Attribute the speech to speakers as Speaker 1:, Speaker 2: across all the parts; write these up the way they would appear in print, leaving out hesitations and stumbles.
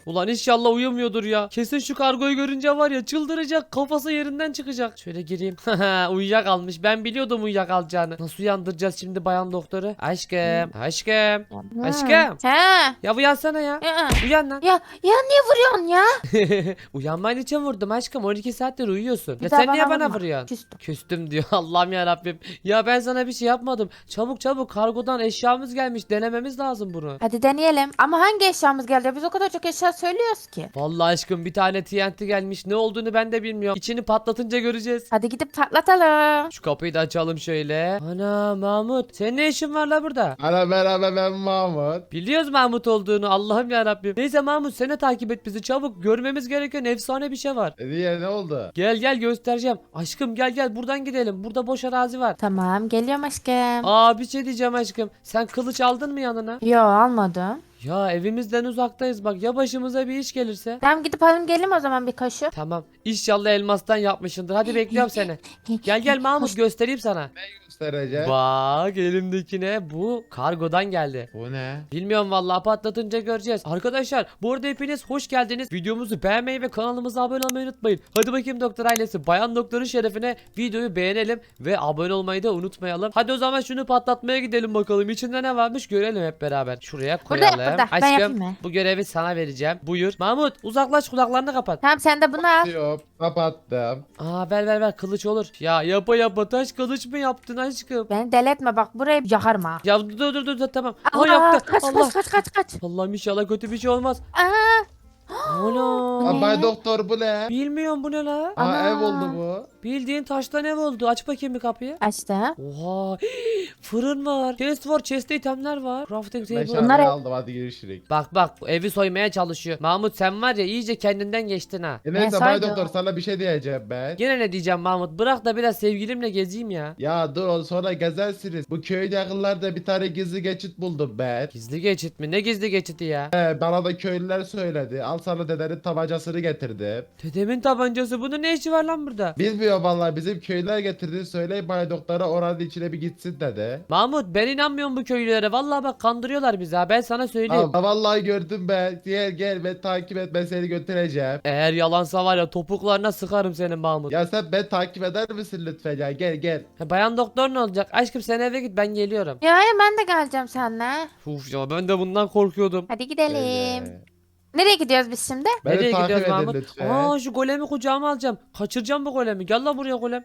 Speaker 1: Ulan inşallah uyumuyordur ya. Kesin şu kargoyu görünce var ya çıldıracak. Kafası yerinden çıkacak. Şöyle gireyim. Uyuyakalmış. Ben biliyordum uyuyakalacağını. Nasıl uyandıracağız şimdi bayan doktoru? Aşkım. Aşkım. Aşkım.
Speaker 2: He.
Speaker 1: Ya uyansana ya.
Speaker 2: Ya,
Speaker 1: Uyan lan.
Speaker 2: ya niye vuruyorsun ya?
Speaker 1: Uyanman için vurdum aşkım. 12 saattir uyuyorsun.
Speaker 2: Bir
Speaker 1: Ya
Speaker 2: daha
Speaker 1: sen niye bana
Speaker 2: vurma.
Speaker 1: vuruyorsun?
Speaker 2: Küstüm.
Speaker 1: Küstüm diyor. Allah'ım ya Rabbim. Ya ben sana bir şey yapmadım. Çabuk çabuk kargodan eşyamız gelmiş. Denememiz lazım bunu.
Speaker 2: Hadi deneyelim. Ama hangi eşyamız geldi? Biz o kadar çok eşya söylüyoruz ki.
Speaker 1: Vallahi aşkım bir tane TNT gelmiş. Ne olduğunu ben de bilmiyorum. İçini patlatınca göreceğiz.
Speaker 2: Hadi gidip patlatalım.
Speaker 1: Şu kapıyı da açalım şöyle. Ana Mahmut. Senin ne işin var la burada?
Speaker 3: Ana merhaba, ben Mahmut.
Speaker 1: Biliyoruz Mahmut olduğunu. Allah'ım ya Rabbim. Neyse Mahmut seni takip et bizi çabuk. Görmemiz gereken efsane bir şey var.
Speaker 3: Niye, ne oldu?
Speaker 1: Gel gel göstereceğim. Aşkım gel gel buradan gidelim. Burada boş arazi var.
Speaker 2: Tamam geliyorum aşkım.
Speaker 1: Aa bir şey diyeceğim aşkım. Sen kılıç aldın mı yanına?
Speaker 2: Yo almadım.
Speaker 1: Ya evimizden uzaktayız bak. Ya başımıza bir iş gelirse?
Speaker 2: Tamam gidip alalım gelin o zaman bir kaşık.
Speaker 1: Tamam. İnşallah elmastan yapmışsındır. Hadi bekliyorum seni. Gel gel Mahmut göstereyim sana.
Speaker 3: Göstereceğim.
Speaker 1: Bak elimdekine bu kargodan geldi.
Speaker 3: Bu ne?
Speaker 1: Bilmiyorum vallahi patlatınca göreceğiz. Arkadaşlar bu arada hepiniz hoş geldiniz. Videomuzu beğenmeyi ve kanalımıza abone olmayı unutmayın. Hadi bakayım doktor ailesi. Bayan doktorun şerefine videoyu beğenelim ve abone olmayı da unutmayalım. Hadi o zaman şunu patlatmaya gidelim bakalım. İçinde ne varmış görelim hep beraber. Şuraya
Speaker 2: Burada yap,
Speaker 1: koyalım.
Speaker 2: burada. Ben yapayım mı?
Speaker 1: Bu görevi sana vereceğim. Buyur. Mahmut uzaklaş kulaklarını kapat.
Speaker 2: Tamam sen de bunu al.
Speaker 3: Yok, kapattım.
Speaker 1: Aa ver kılıç olur. Ya yapa taş kılıç mı yaptın aşkım?
Speaker 2: Beni deli etme bak burayı yakarım ha.
Speaker 1: Ya dur tamam. Aa
Speaker 2: Allah,
Speaker 1: yaktı.
Speaker 2: kaç,
Speaker 1: Allah.
Speaker 2: kaç.
Speaker 1: Allah'ım inşallah kötü bir şey olmaz.
Speaker 2: Aa,
Speaker 1: Ana.
Speaker 3: Aa, Bay Doktor, bu ne?
Speaker 1: Bilmiyorum bu ne la?
Speaker 3: Aa,
Speaker 2: Ana.
Speaker 3: ev oldu bu.
Speaker 1: Bildiğin taştan ev oldu. Aç bakayım bir kapıyı.
Speaker 2: açtım.
Speaker 1: Oha. Fırın var. Chest var. Chest'te itemler var. Crafting table.
Speaker 3: Meşaleyi
Speaker 2: Bunlar-
Speaker 3: aldım, hadi görüşürüz.
Speaker 1: Bak evi soymaya çalışıyor. Mahmut sen var ya iyice kendinden geçtin ha.
Speaker 3: Neyse
Speaker 2: Ben
Speaker 3: Bay
Speaker 2: saydım.
Speaker 3: Doktor, sana bir şey diyeceğim ben.
Speaker 1: Gene ne diyeceğim Mahmut? Bırak da biraz sevgilimle gezeyim ya.
Speaker 3: Ya dur, onu sonra gezersiniz. Bu köyün yakınlarda bir tane gizli geçit buldum ben.
Speaker 1: Gizli geçit mi? Ne gizli geçiti ya?
Speaker 3: Bana da köylüler söyledi. Al sana dedenin tabancasını getirdim.
Speaker 1: Dedemin tabancası. Bunun ne işi var lan burada?
Speaker 3: Bilmiyor vallahi, bizim köylüler getirdi. Söyleyin Bay Doktor'a, oranın içine bir gitsin dedi.
Speaker 1: Mahmut ben inanmıyorum bu köylülere. Vallahi bak kandırıyorlar bizi ha. Ben sana söyleyeyim.
Speaker 3: Aa, vallahi gördüm ben. Gel ben takip et, ben seni götüreceğim.
Speaker 1: Eğer yalansa var ya topuklarına sıkarım senin Mahmut.
Speaker 3: Ya sen ben takip eder misin lütfen ya? Gel.
Speaker 1: Bayan doktor ne olacak? Aşkım sen eve git ben geliyorum.
Speaker 2: Ya ben de geleceğim seninle.
Speaker 1: Uf ya ben de bundan korkuyordum.
Speaker 2: Hadi gidelim.
Speaker 3: Öyle.
Speaker 2: Nereye gidiyoruz biz şimdi?
Speaker 3: Beni
Speaker 1: Nereye
Speaker 3: takip
Speaker 1: gidiyoruz
Speaker 3: edin
Speaker 1: Mahmut?
Speaker 3: lütfen.
Speaker 1: Aa şu golemi kucağıma alacağım. Kaçıracağım bu golemi. Gel lan buraya golem.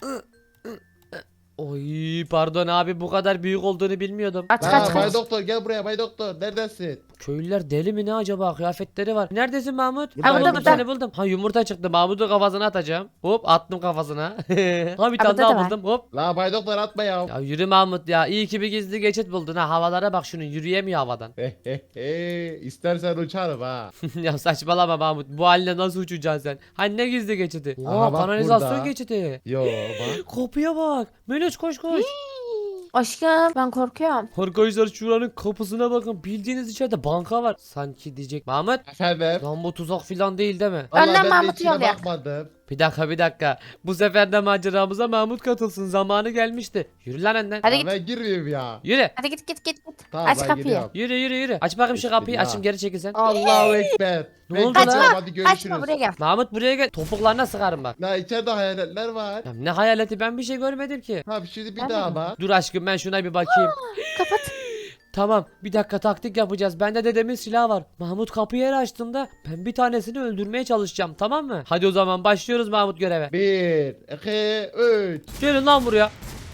Speaker 1: Oy pardon abi bu kadar büyük olduğunu bilmiyordum.
Speaker 2: Kaç
Speaker 3: Aa, Bay
Speaker 2: kaç.
Speaker 3: Doktor, gel buraya Bay Doktor. Neredesin?
Speaker 1: Köylüler deli mi ne acaba? Kıyafetleri var. Neredesin Mahmut?
Speaker 3: Burada,
Speaker 1: buldum
Speaker 2: burada.
Speaker 1: seni buldum. Ha yumurta çıktı. Mahmut'un kafasına atacağım. Hop attım kafasına. Ha bir tane
Speaker 2: burada da
Speaker 1: daha
Speaker 2: var.
Speaker 1: buldum. Hop.
Speaker 3: La Bay Doktor, atma ya.
Speaker 1: Ya yürü Mahmut ya. İyi ki bir gizli geçit buldun ha. Havalara bak şunun yürüyemiyor havadan.
Speaker 3: İstersen uçarım ha.
Speaker 1: Ya saçmalama Mahmut. Bu haline nasıl uçacaksın sen? Hani ne gizli geçiti?
Speaker 3: Aha,
Speaker 1: Oha
Speaker 3: bak
Speaker 1: kanalizasyon
Speaker 3: burada.
Speaker 1: geçiti.
Speaker 3: Yo bak.
Speaker 1: Kapıya bak. Meloş koş.
Speaker 2: Aşkım ben korkuyorum.
Speaker 1: Arkadaşlar şuranın kapısına bakın. Bildiğiniz içeride banka var. Sanki diyecek. Mahmut.
Speaker 3: Efendim.
Speaker 1: Lan bu tuzak filan değil mi?
Speaker 3: Vallahi
Speaker 2: Önden
Speaker 3: ben de
Speaker 2: Mahmut'u
Speaker 3: içine
Speaker 2: yollayak.
Speaker 3: bakmadım.
Speaker 1: Bir dakika. Bu sefer de maceramıza Mahmut katılsın. Zamanı gelmişti. Yürü lan önden.
Speaker 2: Hadi
Speaker 3: Ya
Speaker 2: git.
Speaker 3: ben girmeyeyim ya.
Speaker 1: Yürü.
Speaker 2: Hadi git.
Speaker 3: Tamam,
Speaker 2: Aç
Speaker 3: ben
Speaker 2: kapıyı.
Speaker 3: gidiyorum.
Speaker 1: Yürü. Aç bakayım şu kapıyı.
Speaker 3: Ya.
Speaker 1: Açayım geri çekil sen.
Speaker 3: Allahu Ekber.
Speaker 1: Ne
Speaker 3: Ben
Speaker 1: oldu
Speaker 3: gidiyorum,
Speaker 1: lan?
Speaker 3: hadi görüşürüz.
Speaker 2: Kaçma buraya gel.
Speaker 1: Mahmut buraya gel. Topuklarına sıkarım bak.
Speaker 3: La içeride hayaletler var.
Speaker 1: Ya ne hayaleti ben bir şey görmedim ki.
Speaker 3: Tamam, şimdi bir
Speaker 2: Ben
Speaker 3: daha
Speaker 2: de-
Speaker 3: bak.
Speaker 1: Dur aşkım ben şuna bir bakayım.
Speaker 2: Kapat.
Speaker 1: Tamam bir dakika taktik yapacağız. Bende dedemin silahı var. Mahmut kapıyı her açtığında ben bir tanesini öldürmeye çalışacağım tamam mı? Hadi o zaman başlıyoruz Mahmut göreve.
Speaker 3: 1, 2, 3.
Speaker 1: Gelin lan buraya.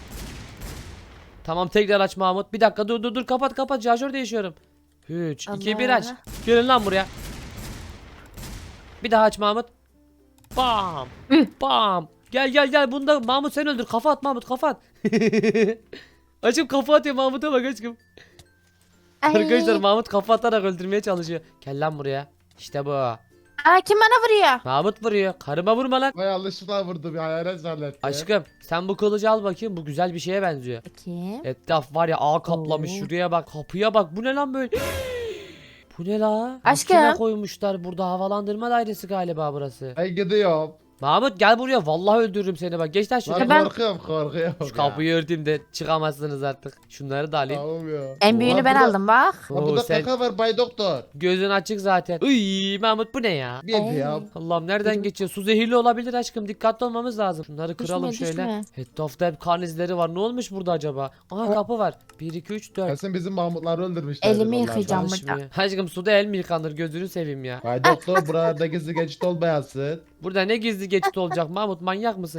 Speaker 1: Tamam tekrar aç Mahmut. Bir dakika dur kapat şarjör değişiyorum. 3 2 1 aç.
Speaker 2: Allah.
Speaker 1: Gelin lan buraya. Bir daha aç Mahmut. Bam. Bam. Gel bunda Mahmut sen öldür. Kafa at Mahmut kafa at. Açım kafa atıyor Mahmut'a bak aşkım.
Speaker 2: Ay.
Speaker 1: Arkadaşlar Mahmut kafa atarak öldürmeye çalışıyor. Gel lan buraya. İşte bu.
Speaker 2: Aa kim bana vuruyor?
Speaker 1: Mahmut vuruyor. Karıma vurma lan.
Speaker 3: Vay, yanlışlıkla vurdum ya, hayalet zannettim.
Speaker 1: Aşkım sen bu kılıcı al bakayım. Bu güzel bir şeye benziyor.
Speaker 2: Bakayım.
Speaker 1: Etraf var ya ağ kaplamış.
Speaker 2: Oo.
Speaker 1: Şuraya bak. Kapıya bak. Bu ne lan böyle? Bu ne la?
Speaker 2: Aşkım.
Speaker 1: Makine koymuşlar burada. Havalandırma dairesi galiba burası.
Speaker 3: Ben gidiyorum.
Speaker 1: Mahmut gel buraya. Vallahi öldürürüm seni bak. Geç lan
Speaker 3: Lan
Speaker 1: şuraya.
Speaker 2: Ben-
Speaker 3: korkuyorum
Speaker 1: Şu
Speaker 3: ya.
Speaker 1: kapıyı örteyim de çıkamazsınız artık. Şunları da alayım.
Speaker 3: Tamam ya.
Speaker 2: En büyüğünü
Speaker 3: Lan
Speaker 2: ben
Speaker 3: burada-
Speaker 2: aldım bak.
Speaker 3: Lan
Speaker 1: Oo,
Speaker 3: burada
Speaker 1: sen
Speaker 3: kaka var Bay Doktor.
Speaker 1: gözün açık zaten. Iy Mahmut bu ne ya?
Speaker 3: Bir ya.
Speaker 1: Allah'ım nereden geçiyor? Su zehirli olabilir aşkım. Dikkatli olmamız lazım. Şunları kıralım
Speaker 2: Düşme,
Speaker 1: şöyle.
Speaker 2: düşme.
Speaker 1: Etrafta hep kan izleri var. Ne olmuş burada acaba? Aha kapı var. 1 2 3 4.
Speaker 3: Kesin bizim Mahmutları öldürmüşler.
Speaker 2: Elimi yıkayacağım.
Speaker 1: Çalışmıyor. Aşkım suda el mi yıkanır? Gözünü seveyim ya.
Speaker 3: Bay Doktor buralarda gizli geçit olmayasın.
Speaker 1: Burada ne gizli geçit olacak Mahmut? Manyak mısın?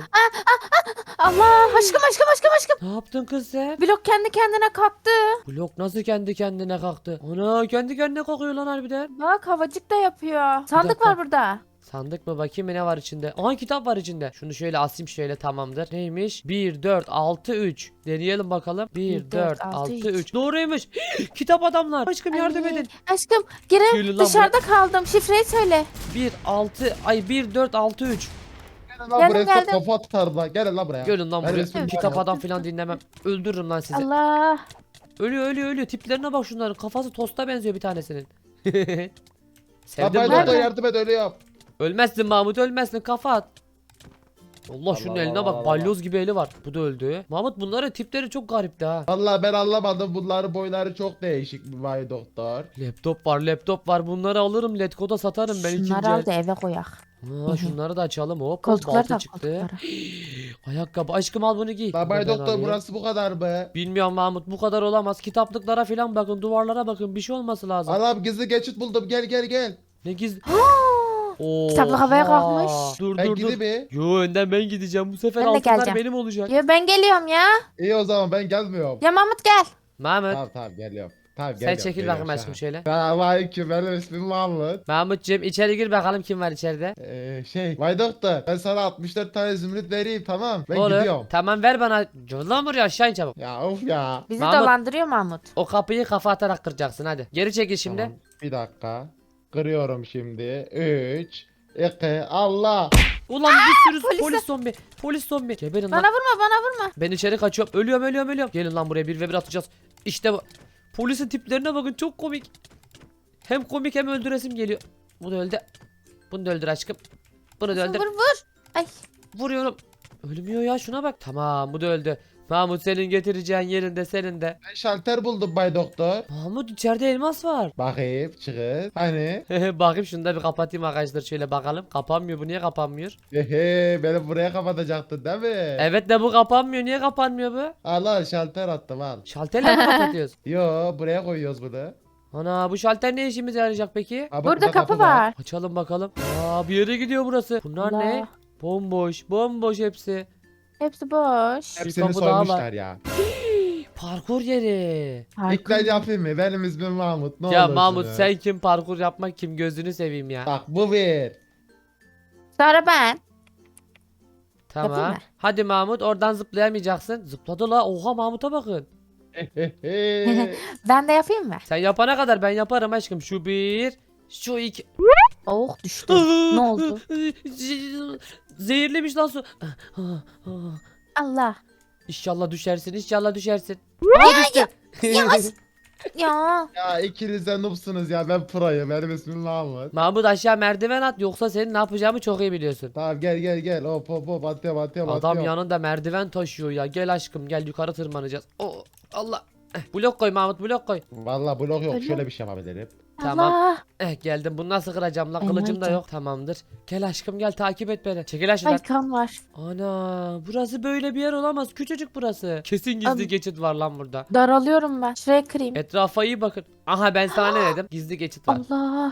Speaker 2: Allah aşkım.
Speaker 1: Ne yaptın kız sen?
Speaker 2: Blok kendi kendine kalktı.
Speaker 1: Blok nasıl kendi kendine kalktı? Ana kendi kendine kalkıyor lan harbiden.
Speaker 2: Bak havacık da yapıyor. Sandık
Speaker 1: dakika.
Speaker 2: var burada.
Speaker 1: Sandık mı bakayım ne var içinde? Aha kitap var içinde. Şunu şöyle asayım şöyle tamamdır. Neymiş? 1 4 6 3. Deneyelim bakalım. 1 4 6 3. Doğruymuş. Kitap adamlar. Aşkım yardım
Speaker 2: Ay,
Speaker 1: edin.
Speaker 2: Aşkım
Speaker 1: Gelin
Speaker 2: girin
Speaker 1: lan
Speaker 2: dışarıda kaldım. Şifreyi söyle.
Speaker 1: 1 6 ay 1 4 6 3.
Speaker 3: Gelin lan
Speaker 2: Geldim,
Speaker 3: buraya
Speaker 2: geldim.
Speaker 3: çok kafa atarım lan. Gelin lan buraya.
Speaker 1: Gelin lan
Speaker 3: Ben
Speaker 1: buraya.
Speaker 3: resmimi
Speaker 1: Kitap
Speaker 3: çekeceğim.
Speaker 1: adam falan dinlemem. Öldürürüm lan sizi.
Speaker 2: Allah.
Speaker 1: Ölüyor. Tiplerine bak şunların. Kafası tosta benziyor bir tanesinin.
Speaker 3: Lan
Speaker 1: Sevdim
Speaker 3: Bay
Speaker 1: bunu.
Speaker 3: Doktor yardım et ölüyorum.
Speaker 1: Ölmezsin Mahmut ölmezsin kafa at. Allah şunun
Speaker 3: Allah
Speaker 1: eline
Speaker 3: Allah
Speaker 1: bak
Speaker 3: Allah.
Speaker 1: balyoz gibi eli var. Bu da öldü. Mahmut bunların tipleri çok garipti ha.
Speaker 3: Vallahi ben anlamadım. Bunların boyları çok değişik bir Bay Doktor.
Speaker 1: Laptop var bunları alırım Letgo'da satarım ben ikinci
Speaker 2: Şunları al
Speaker 1: el.
Speaker 2: da eve koyak.
Speaker 1: Ha, şunları da açalım hop.
Speaker 2: Koltukları
Speaker 1: Balta
Speaker 2: tak
Speaker 1: çıktı.
Speaker 2: koltukları.
Speaker 1: Ayakkabı aşkım al bunu giy.
Speaker 3: Lan
Speaker 1: Bunu
Speaker 3: Bay
Speaker 1: ben
Speaker 3: Doktor
Speaker 1: alayım.
Speaker 3: burası bu kadar mı?
Speaker 1: Bilmiyorum Mahmut bu kadar olamaz. Kitaplıklara falan bakın duvarlara bakın bir şey olması lazım.
Speaker 3: Allah'ım gizli geçit buldum. Gel.
Speaker 1: Ne gizli.
Speaker 2: Kitaplık havaya
Speaker 1: Oha.
Speaker 2: kalkmış.
Speaker 1: Dur
Speaker 3: Ben
Speaker 1: dur
Speaker 3: gideyim
Speaker 1: dur.
Speaker 3: mi?
Speaker 1: Yo önden ben gideceğim. Bu sefer
Speaker 2: Ben de
Speaker 1: altınlar
Speaker 2: geleceğim.
Speaker 1: benim olacak.
Speaker 2: Ya ben geliyorum ya.
Speaker 3: İyi o zaman ben gelmiyorum.
Speaker 2: Ya Mahmut gel.
Speaker 1: Mahmut
Speaker 3: Tamam geliyorum. Tamam
Speaker 1: sen
Speaker 3: geliyorum.
Speaker 1: çekil bakayım aşkım şöyle.
Speaker 3: Selamünaleyküm benim ismim Mahmut.
Speaker 1: Mahmutcığım içeri gir bakalım kim var içeride.
Speaker 3: Bay Doktor ben sana 64 tane zümrüt vereyim tamam. Ben
Speaker 1: Olur.
Speaker 3: gidiyorum.
Speaker 1: Tamam ver bana. Gel lan buraya aşağı in çabuk.
Speaker 3: Ya of ya.
Speaker 2: Bizi
Speaker 1: Mahmut.
Speaker 2: dolandırıyor Mahmut.
Speaker 1: O kapıyı kafa atarak kıracaksın hadi. Geri çekil şimdi.
Speaker 3: Tamam, bir dakika. Kırıyorum şimdi. 3 2 Allah.
Speaker 1: Ulan bir sürü
Speaker 2: polis-
Speaker 1: polis zombi. Polis zombi. Geberin
Speaker 2: Bana
Speaker 1: lan.
Speaker 2: vurma.
Speaker 1: Ben içeri kaçıyorum. Ölüyorum. Gelin lan buraya 1v1 atacağız. İşte bu. Polisin tiplerine bakın çok komik. Hem komik hem öldüresim geliyor. Bu da öldü. Bunu da öldür aşkım. Bunu da öldür.
Speaker 2: Vur. Ay.
Speaker 1: Vuruyorum. Ölmüyor ya şuna bak. Tamam bu da öldü. Mahmut senin getireceğin yerinde senin de.
Speaker 3: Ben şalter buldum Bay Doktor.
Speaker 1: Mahmut içeride elmas var.
Speaker 3: Bakayım çıkın. Hani?
Speaker 1: Bakayım şunu da bir kapatayım arkadaşlar şöyle bakalım. Kapanmıyor bu niye kapanmıyor?
Speaker 3: Hehe beni buraya kapatacaktın değil mi?
Speaker 1: Evet de bu kapanmıyor niye kapanmıyor bu?
Speaker 3: Allah şalter attım al.
Speaker 1: Şalterle mi kapatıyoruz?
Speaker 3: Yo buraya koyuyoruz bunu.
Speaker 1: Ana bu şalter ne işimize yarayacak peki?
Speaker 3: Aa, bak,
Speaker 2: Burada kapı var.
Speaker 1: Açalım bakalım. Aa bir yere gidiyor burası. Bunlar
Speaker 2: Allah.
Speaker 1: ne? Bomboş hepsi.
Speaker 2: Hepsi boş.
Speaker 3: Hepsini
Speaker 1: kapı daha var.
Speaker 3: soymuşlar ya.
Speaker 1: Parkur yeri.
Speaker 3: İlk ben yapayım mı? Benim ismim Mahmut. Ne
Speaker 1: Ya
Speaker 3: olursunuz.
Speaker 1: Mahmut sen kim parkur yapmak kim gözünü seveyim ya.
Speaker 3: Bak bu bir.
Speaker 2: Sonra ben.
Speaker 1: Tamam.
Speaker 2: yapayım mı?
Speaker 1: Hadi Mahmut oradan zıplayamayacaksın. Zıpladı la. Oha Mahmut'a bakın.
Speaker 2: Ben de yapayım mı?
Speaker 1: Sen yapana kadar ben yaparım aşkım. Şu bir. Şu iki.
Speaker 2: Oh düştü. Ne oldu?
Speaker 1: Zehirlemiş lan su.
Speaker 2: Allah.
Speaker 1: İnşallah düşersin. Aa düştü.
Speaker 2: Yavaş. Ya.
Speaker 3: Ya ikiniz de noobsunuz ya ben proyum. Benim ismim Mahmut.
Speaker 1: Mahmut aşağı merdiven at yoksa senin ne yapacağımı çok iyi biliyorsun.
Speaker 3: Tamam gel. Hop atıyorum.
Speaker 1: Adam yanında merdiven taşıyor ya. Gel aşkım gel yukarı tırmanacağız. Oh Allah. Blok koy Mahmut blok koy.
Speaker 3: Valla blok yok.
Speaker 2: Öyle
Speaker 3: Şöyle bir şey yapabilirim.
Speaker 1: Tamam.
Speaker 2: Allah.
Speaker 1: Geldim bunu nasıl kıracağım lan
Speaker 2: Ay,
Speaker 1: kılıcım da
Speaker 2: nerede?
Speaker 1: yok. Tamamdır. Gel aşkım gel takip et beni. Çekil aşağıdan.
Speaker 2: Ay kan var.
Speaker 1: Ana burası böyle bir yer olamaz. Küçücük burası. Kesin gizli
Speaker 2: Abi-
Speaker 1: geçit var lan burada.
Speaker 2: Daralıyorum ben. Şuraya kırayım.
Speaker 1: Etrafa iyi bakın. Aha ben sana ne dedim? Gizli geçit var.
Speaker 2: Allah.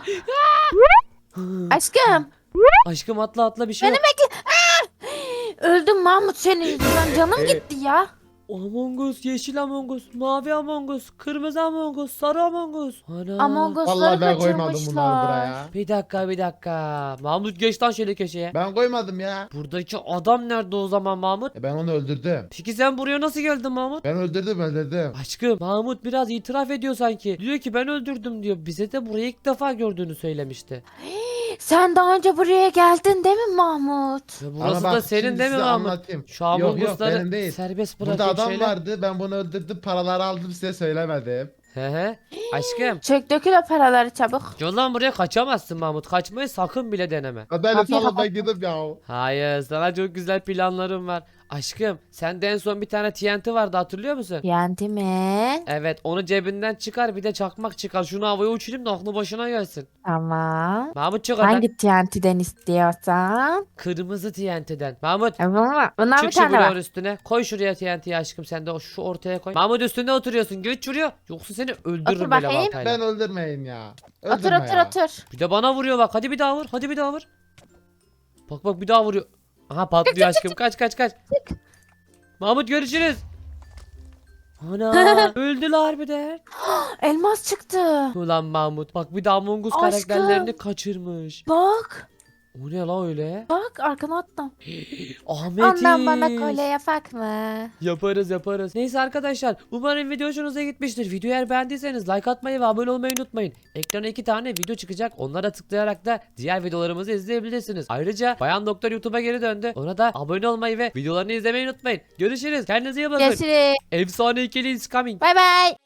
Speaker 2: Aşkım.
Speaker 1: Aşkım atla bir şey yok.
Speaker 2: Öldüm Mahmut senin yüzünden. Canım gitti ya.
Speaker 1: Among Us, yeşil Among Us, mavi Among Us, kırmızı Among Us, sarı Among Us. Ana.
Speaker 2: Among Us'ları
Speaker 3: Vallahi ben koymadım bunları
Speaker 2: kaçırmışlar.
Speaker 3: buraya.
Speaker 1: Bir dakika. Mahmut geç lan şöyle köşeye.
Speaker 3: Ben koymadım ya.
Speaker 1: Buradaki adam nerede o zaman Mahmut?
Speaker 3: Ben onu öldürdüm.
Speaker 1: Peki sen buraya nasıl geldin Mahmut?
Speaker 3: Ben öldürdüm.
Speaker 1: Aşkım Mahmut biraz itiraf ediyor sanki. Diyor ki ben öldürdüm diyor. Bize de burayı ilk defa gördüğünü söylemişti.
Speaker 2: Sen daha önce buraya geldin değil mi Mahmut?
Speaker 1: Ve
Speaker 3: Ama
Speaker 1: burası
Speaker 3: bak,
Speaker 1: da senin
Speaker 3: şimdi
Speaker 1: değil mi
Speaker 3: size
Speaker 1: Mahmut?
Speaker 3: anlatayım.
Speaker 1: Şu Among
Speaker 3: Yok,
Speaker 1: Us'ları
Speaker 3: benim değil.
Speaker 1: serbest
Speaker 3: Burada
Speaker 1: bırakayım
Speaker 3: adam
Speaker 1: şöyle.
Speaker 3: vardı. Ben bunu öldürdüm. Paraları aldım size söylemedim.
Speaker 1: He. Aşkım.
Speaker 2: Çök dökül o paraları çabuk.
Speaker 1: Yoldan buraya kaçamazsın Mahmut. Kaçmayı sakın bile deneme.
Speaker 3: Hadi
Speaker 2: Kapıyı
Speaker 3: salın
Speaker 2: kapat.
Speaker 3: ben gidip ya.
Speaker 1: Hayır, sana çok güzel planlarım var. Aşkım, sende en son bir tane TNT vardı, hatırlıyor musun?
Speaker 2: Yendi mi?
Speaker 1: Evet, onu cebinden çıkar, bir de çakmak çıkar. Şunu havaya uçurayım da aklı başına gelsin.
Speaker 2: Tamam.
Speaker 1: Mahmut çık oradan.
Speaker 2: Hangi TNT'den istiyorsan?
Speaker 1: Kırmızı TNT'den. Mahmut
Speaker 2: Bundan bir
Speaker 1: çık şu
Speaker 2: tane var.
Speaker 1: bloğun üstüne. Koy şuraya TNT'yi aşkım, sen de şu ortaya koy. Mahmut üstünde oturuyorsun. Geç şuraya. Yoksa seni öldürürüm
Speaker 2: Otur
Speaker 1: böyle
Speaker 2: bakayım.
Speaker 1: baltayla.
Speaker 3: Ben öldürmeyin ya.
Speaker 2: Otur
Speaker 3: Öldürme
Speaker 2: otur
Speaker 3: ya.
Speaker 2: otur.
Speaker 1: Bir de bana vuruyor bak. Hadi bir daha vur. Hadi bir daha vur. Bak bir daha vuruyor. Aha patlıyor aşkım. Kaç. Mahmut görüşürüz. Ana öldüler harbiden.
Speaker 2: Elmas çıktı.
Speaker 1: Ulan Mahmut bak bir daha Among Us
Speaker 2: Aşkım.
Speaker 1: karakterlerini kaçırmış.
Speaker 2: Bak.
Speaker 1: O ne la öyle?
Speaker 2: Bak arkana attım.
Speaker 1: Ahmet
Speaker 2: Ondan bana kolye yapak mı?
Speaker 1: Yaparız. Neyse arkadaşlar, umarım video hoşunuza gitmiştir. Videoyu eğer beğendiyseniz like atmayı ve abone olmayı unutmayın. Ekrana 2 tane video çıkacak. Onlara tıklayarak da diğer videolarımızı izleyebilirsiniz. Ayrıca Bayan Doktor YouTube'a geri döndü. Ona da abone olmayı ve videolarını izlemeyi unutmayın. Görüşürüz. Kendinize iyi bakın.
Speaker 2: Görüşürüz.
Speaker 1: Efsane ikili is coming.
Speaker 2: Bay bay.